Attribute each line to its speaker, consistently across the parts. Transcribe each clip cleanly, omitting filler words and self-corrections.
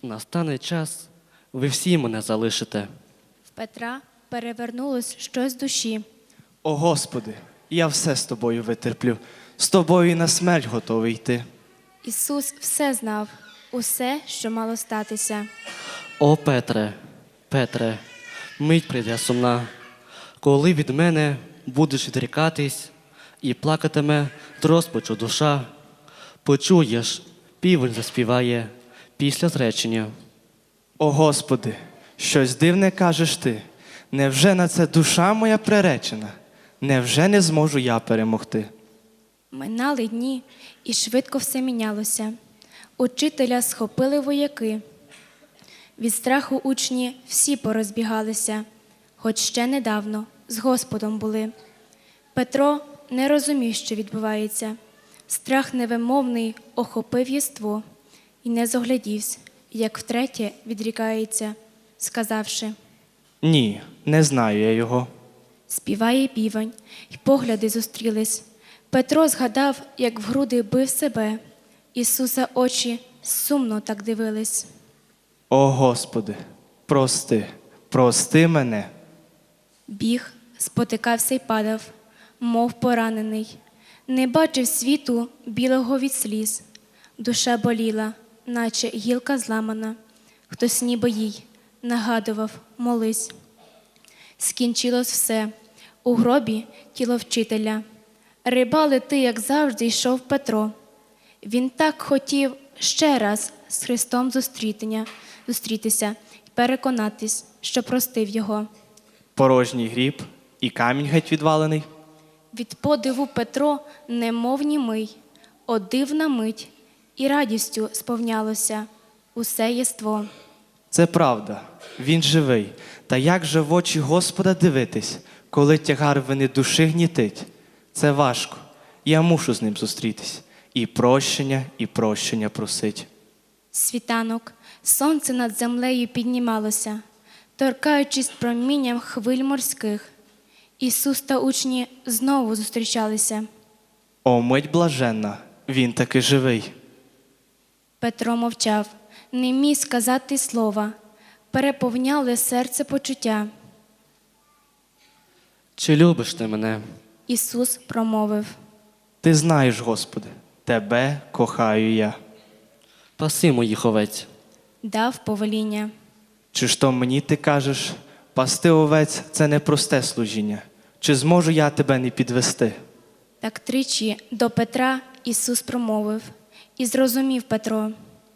Speaker 1: Настане час, ви всі мене залишите.
Speaker 2: В Петра перевернулось щось в душі.
Speaker 3: О Господи, я все з тобою витерплю, з тобою і на смерть готовий йти.
Speaker 2: Ісус все знав, усе, що мало статися.
Speaker 1: О, Петре, Петре, мить прийде сумна, коли від мене будеш відрікатись і плакатиме з розпачу душа. Почуєш, півень заспіває після зречення.
Speaker 3: О Господи, щось дивне кажеш ти. Невже на це душа моя приречена? Невже не зможу я перемогти?
Speaker 2: Минали дні, і швидко все мінялося. Учителя схопили вояки. Від страху учні всі порозбігалися, хоч ще недавно з Господом були. Петро не розумів, що відбувається. Страх невимовний охопив єство і не зоглядівсь, як втретє відрікається, сказавши:
Speaker 3: Ні, не знаю я його.
Speaker 2: співає півень, й погляди зустрілись. Петро згадав, як в груди бив себе. Ісуса очі сумно так дивились.
Speaker 3: О Господи, прости, прости мене.
Speaker 2: Біг, спотикався й падав, мов поранений. Не бачив світу білого від сліз. Душа боліла, наче гілка зламана. Хтось ніби їй нагадував: молись. Скінчилось все. У гробі тіло вчителя. Рибали ти, як завжди, йшов Петро. Він так хотів ще раз з Христом зустрітися і переконатись, що простив його.
Speaker 3: Порожній гріб і камінь геть відвалений.
Speaker 2: Від подиву Петро немов німий, о дивна мить, і радістю сповнялося усе єство.
Speaker 3: Це правда, він живий. Та як же в очі Господа дивитись, коли тягар вини душі гнітить? Це важко, я мушу з ним зустрітись. І прощення просить.
Speaker 2: Світанок, сонце над землею піднімалося, торкаючись промінням хвиль морських. Ісус та учні знову зустрічалися.
Speaker 3: О, мить блаженна, він таки живий.
Speaker 2: Петро мовчав, не міг сказати слова, переповняли серце почуття.
Speaker 1: Чи любиш ти мене?
Speaker 2: Ісус промовив:
Speaker 3: Ти знаєш, Господи, тебе кохаю я.
Speaker 1: Паси моїх овець.
Speaker 2: дав повеління.
Speaker 3: Чи ж то мені ти кажеш, пасти овець – це непросте служіння? Чи зможу я тебе не підвести?
Speaker 2: Так тричі до Петра Ісус промовив, і зрозумів Петро.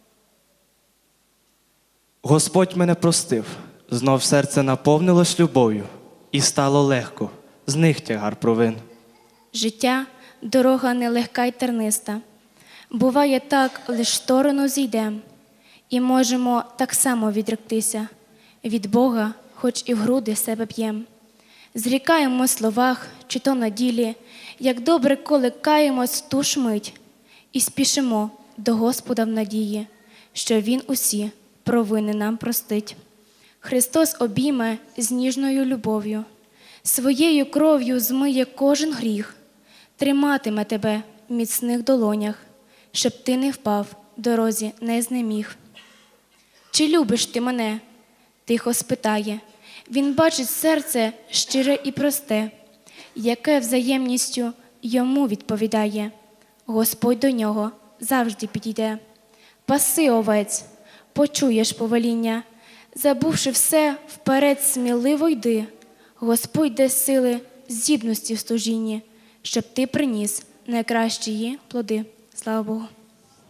Speaker 3: Господь мене простив, знов серце наповнилось любов'ю, і стало легко, з них тягар провин.
Speaker 2: Життя – дорога нелегка й терниста. Буває так, лиш сторону зійдем, і можемо так само відректися. Від Бога, хоч і в груди себе б'єм. Зрікаємо в словах, чи то на ділі, як добре, коли каємось в ту ж мить, і спішимо до Господа в надії, що Він усі провини нам простить. Христос обійме з ніжною любов'ю, своєю кров'ю змиє кожен гріх, триматиме тебе в міцних долонях, щоб ти не впав, дорозі не знеміг. Чи любиш ти мене? Тихо спитає. Він бачить серце щире і просте, яке взаємністю йому відповідає. Господь до нього завжди підійде. Паси овець, почуєш повеління, забувши все, вперед сміливо йди. Господь дасть сили здібності в служінні, щоб ти приніс найкращі її плоди. Слава Богу.